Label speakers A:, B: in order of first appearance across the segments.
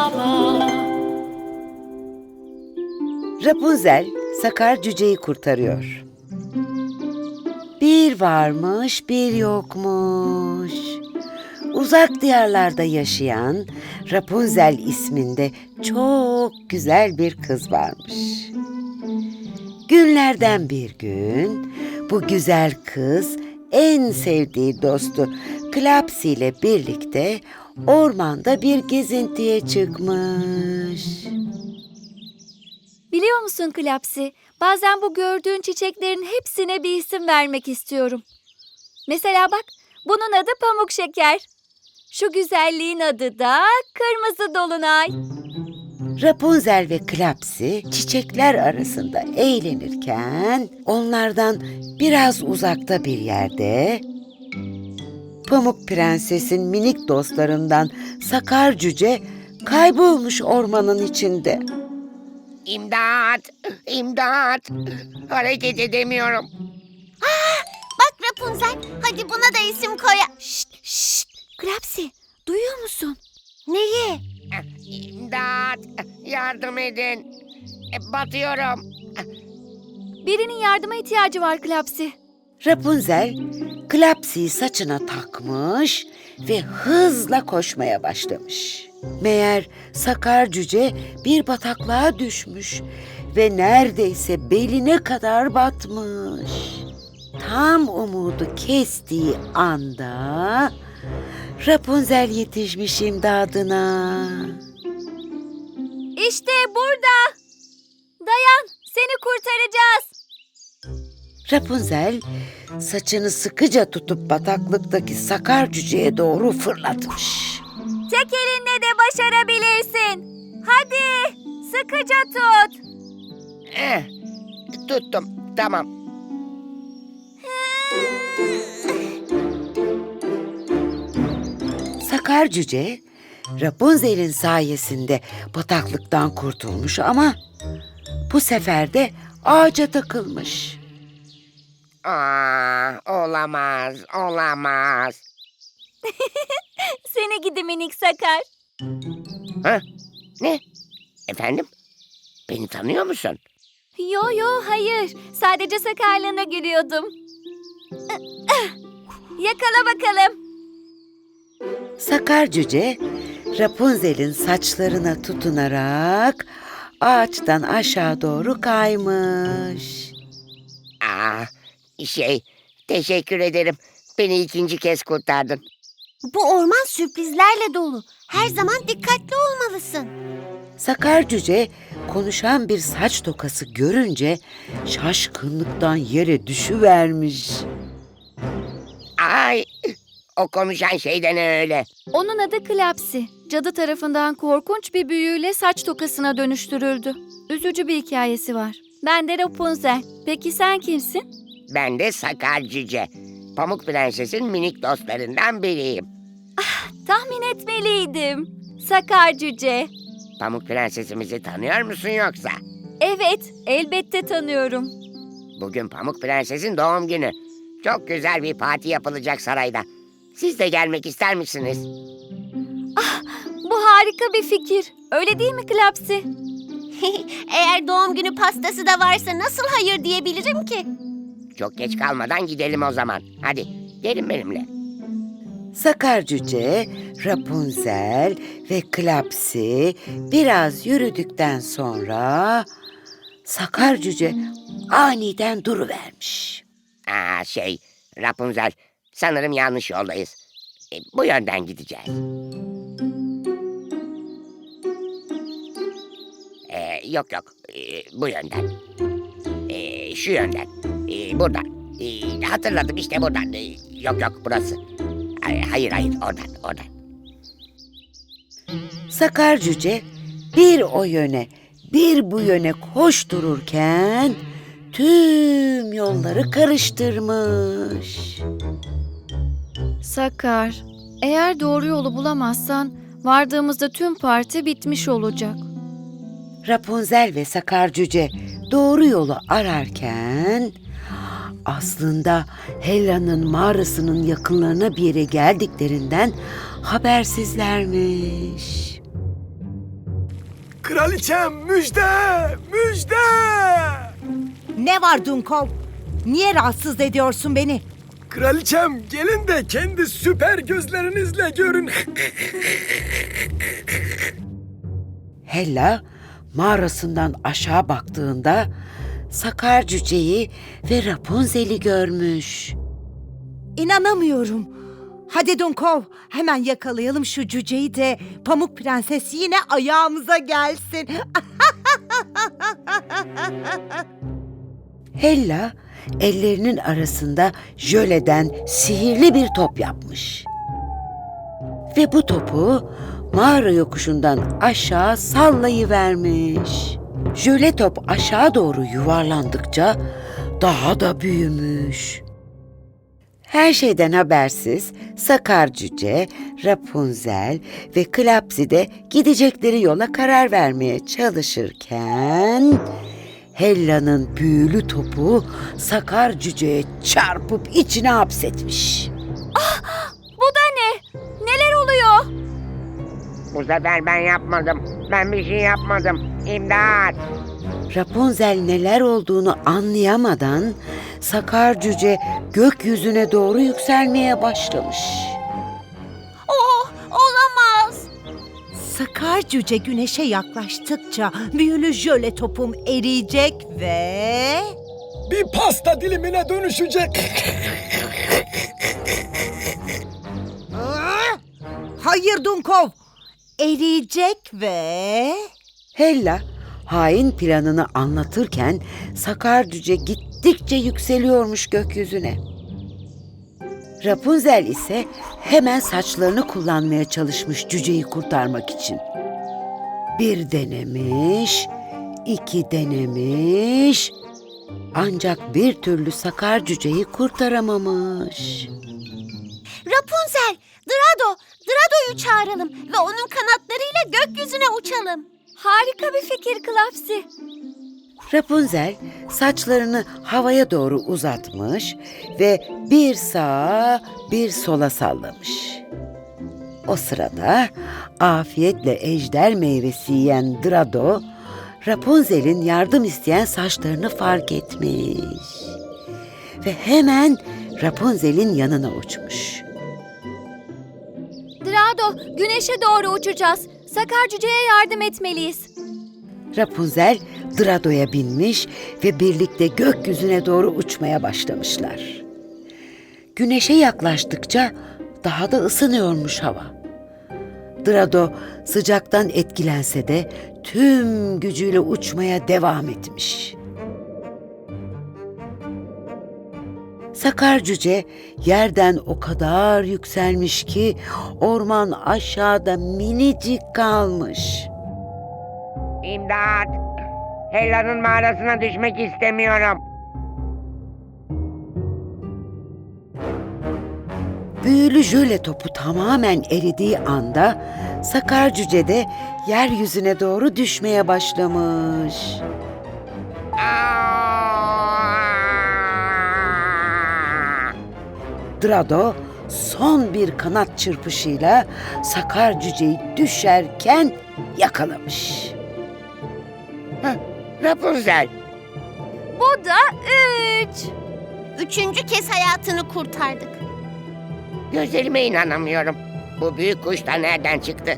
A: Rapunzel, Sakar Cüce'yi kurtarıyor. Bir varmış, bir yokmuş. Uzak diyarlarda yaşayan Rapunzel isminde çok güzel bir kız varmış. Günlerden bir gün bu güzel kız en sevdiği dostu Klapsi ile birlikte ormanda bir gezintiye çıkmış.
B: Biliyor musun Klapsi? Bazen bu gördüğün çiçeklerin hepsine bir isim vermek istiyorum. Mesela bak, bunun adı pamuk şeker. Şu güzelliğin adı da kırmızı dolunay.
A: Rapunzel ve Klapsi çiçekler arasında eğlenirken onlardan biraz uzakta bir yerde Pamuk Prenses'in minik dostlarından Sakar Cüce kaybolmuş ormanın içinde.
C: İmdat! İmdat! Hareket edemiyorum.
D: Bak Rapunzel, hadi buna da isim koy.
B: Şşt, Klapsi, duyuyor musun?
D: Neyi?
C: İmdat! Yardım edin. Batıyorum.
B: Birinin yardıma ihtiyacı var Klapsi.
A: Rapunzel, Klapsi'yi saçına takmış ve hızla koşmaya başlamış. Meğer Sakar Cüce bir bataklığa düşmüş ve neredeyse beline kadar batmış. Tam umudu kestiği anda Rapunzel yetişmiş imdadına.
B: İşte burada. Dayan, seni kurtaracağız.
A: Rapunzel saçını sıkıca tutup bataklıktaki Sakar Cüce'ye doğru fırlatmış.
B: Tek elinle de başarabilirsin. Hadi, sıkıca tut.
C: Tuttum. Tamam.
A: Sakar Cüce, Rapunzel'in sayesinde bataklıktan kurtulmuş ama bu sefer de ağaca takılmış.
C: Olamaz. Olamaz.
B: Seni gidi minik Sakar.
C: Ha? Ne? Efendim? Beni tanıyor musun?
B: Yo hayır. Sadece sakarlığına gülüyordum. Yakala bakalım.
A: Sakar Cüce, Rapunzel'in saçlarına tutunarak ağaçtan aşağı doğru kaymış.
C: Teşekkür ederim. Beni ikinci kez kurtardın.
D: Bu orman sürprizlerle dolu. Her zaman dikkatli olmalısın.
A: Sakar Cüce konuşan bir saç tokası görünce şaşkınlıktan yere düşüvermiş.
C: Ay! O konuşan şey de ne öyle?
B: Onun adı Klapsi. Cadı tarafından korkunç bir büyüyle saç tokasına dönüştürüldü. Üzücü bir hikayesi var. Ben de Rapunzel. Peki sen kimsin?
C: Ben de Sakar Cüce. Pamuk Prenses'in minik dostlarından biriyim.
B: Tahmin etmeliydim. Sakar Cüce.
C: Pamuk Prensesimizi tanıyor musun yoksa?
B: Evet, elbette tanıyorum.
C: Bugün Pamuk Prenses'in doğum günü. Çok güzel bir parti yapılacak sarayda. Siz de gelmek ister misiniz?
B: Bu harika bir fikir. Öyle değil mi Klapsi?
D: Eğer doğum günü pastası da varsa nasıl hayır diyebilirim ki?
C: Çok geç kalmadan gidelim o zaman. Hadi gelin benimle.
A: Sakar Cüce, Rapunzel ve Klapsi biraz yürüdükten sonra Sakar Cüce aniden duruvermiş.
C: Rapunzel, sanırım yanlış yoldayız. Bu yönden gideceğiz. Yok, bu yönden. Şu yönden. Buradan. Hatırladım işte buradan. Yok, burası. Hayır, oradan.
A: Sakar Cüce bir o yöne bir bu yöne koştururken tüm yolları karıştırmış.
B: Sakar, eğer doğru yolu bulamazsan vardığımızda tüm parti bitmiş olacak.
A: Rapunzel ve Sakar Cüce doğru yolu ararken aslında Hella'nın mağarasının yakınlarına bir yere geldiklerinden habersizlermiş.
E: Kraliçem müjde! Müjde!
F: Ne var Dunkov? Niye rahatsız ediyorsun beni?
E: Kraliçem gelin de kendi süper gözlerinizle görün.
A: Hella mağarasından aşağı baktığında Sakar Cüce'yi ve Rapunzel'i görmüş.
F: İnanamıyorum. Hadi Dunkov, hemen yakalayalım şu cüceyi de Pamuk Prenses yine ayağımıza gelsin.
A: Hella ellerinin arasında jöleden sihirli bir top yapmış. Ve bu topu mağara yokuşundan aşağı sallayıvermiş. Jöle top aşağı doğru yuvarlandıkça daha da büyümüş. Her şeyden habersiz Sakar Cüce, Rapunzel ve Klapsi de gidecekleri yola karar vermeye çalışırken Hella'nın büyülü topu Sakar Cüce'ye çarpıp içine hapsetmiş.
B: Bu da ne? Neler oluyor?
C: Bu sefer ben yapmadım. Ben bir şey yapmadım. İmdat!
A: Rapunzel neler olduğunu anlayamadan Sakar Cüce gökyüzüne doğru yükselmeye başlamış.
D: Oh, olamaz.
F: Sakar cüce güneşe yaklaştıkça büyülü jöle topum eriyecek ve...
E: Bir pasta dilimine dönüşecek.
F: Hayır Dunkov, eriyecek ve...
A: Hella hain planını anlatırken Sakar Cüce gittikçe yükseliyormuş gökyüzüne. Rapunzel ise hemen saçlarını kullanmaya çalışmış cüceyi kurtarmak için. Bir denemiş, iki denemiş, ancak bir türlü Sakar Cüceyi kurtaramamış.
D: Rapunzel, Drado'yu çağıralım ve onun kanatlarıyla gökyüzüne uçalım.
B: Harika bir fikir Klapsi.
A: Rapunzel saçlarını havaya doğru uzatmış ve bir sağa bir sola sallamış. O sırada afiyetle ejder meyvesi yiyen Drado, Rapunzel'in yardım isteyen saçlarını fark etmiş. Ve hemen Rapunzel'in yanına uçmuş.
B: Drado, güneşe doğru uçacağız. Sakar Cüce'ye yardım etmeliyiz.
A: Rapunzel Drado'ya binmiş ve birlikte gökyüzüne doğru uçmaya başlamışlar. Güneşe yaklaştıkça daha da ısınıyormuş hava. Drado sıcaktan etkilense de tüm gücüyle uçmaya devam etmiş. Sakar Cüce yerden o kadar yükselmiş ki orman aşağıda minicik kalmış.
C: İmdat! Hella'nın mağarasına düşmek istemiyorum.
A: Büyülü jöle topu tamamen eridiği anda Sakar Cüce de yeryüzüne doğru düşmeye başlamış.
C: Aa!
A: Drado son bir kanat çırpışıyla Sakar Cüceyi düşerken yakalamış.
C: Rapunzel!
B: Bu da 3.
D: Üçüncü kez hayatını kurtardık.
C: Gözlerime inanamıyorum. Bu büyük kuş da nereden çıktı?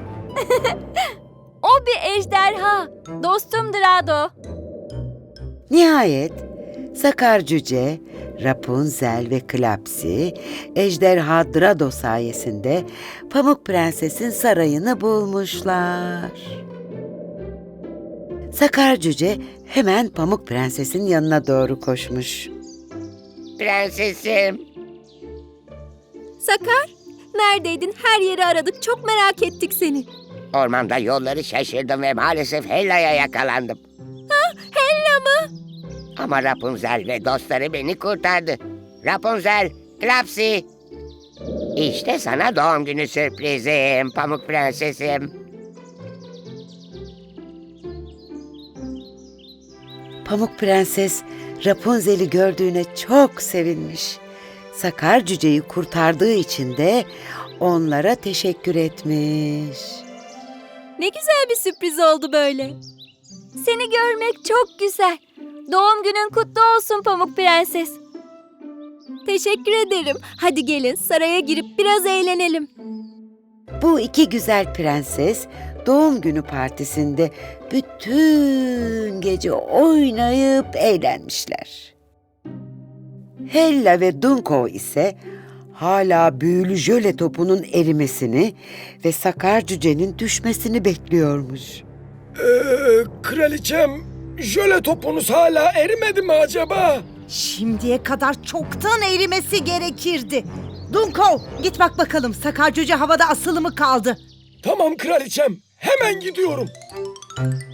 B: O bir ejderha. Dostum Drado.
A: Nihayet Sakar Cüce, Rapunzel ve Klapsi ejderha Drado sayesinde Pamuk Prenses'in sarayını bulmuşlar. Sakar Cüce hemen Pamuk Prenses'in yanına doğru koşmuş.
C: Prensesim!
B: Sakar, neredeydin? Her yeri aradık. Çok merak ettik seni.
C: Ormanda yolları şaşırdım ve maalesef Hella'ya yakalandım.
B: Hella mı?
C: Ama Rapunzel ve dostları beni kurtardı. Rapunzel, Klapsi! İşte sana doğum günü sürprizim, Pamuk Prensesim.
A: Pamuk Prenses Rapunzel'i gördüğüne çok sevinmiş. Sakar Cüceyi kurtardığı için de onlara teşekkür etmiş.
B: Ne güzel bir sürpriz oldu böyle. Seni görmek çok güzel. Doğum günün kutlu olsun Pamuk Prenses. Teşekkür ederim. Hadi gelin saraya girip biraz eğlenelim.
A: Bu iki güzel prenses doğum günü partisinde bütün gece oynayıp eğlenmişler. Hella ve Dunko ise hala büyülü jöle topunun erimesini ve Sakar Cüce'nin düşmesini bekliyormuş.
E: Kraliçem, jöle topunuz hala erimedi mi acaba?
F: Şimdiye kadar çoktan erimesi gerekirdi. Dunko, git bak bakalım Sakar Cüce havada asılı mı kaldı?
E: Tamam kraliçem, hemen gidiyorum.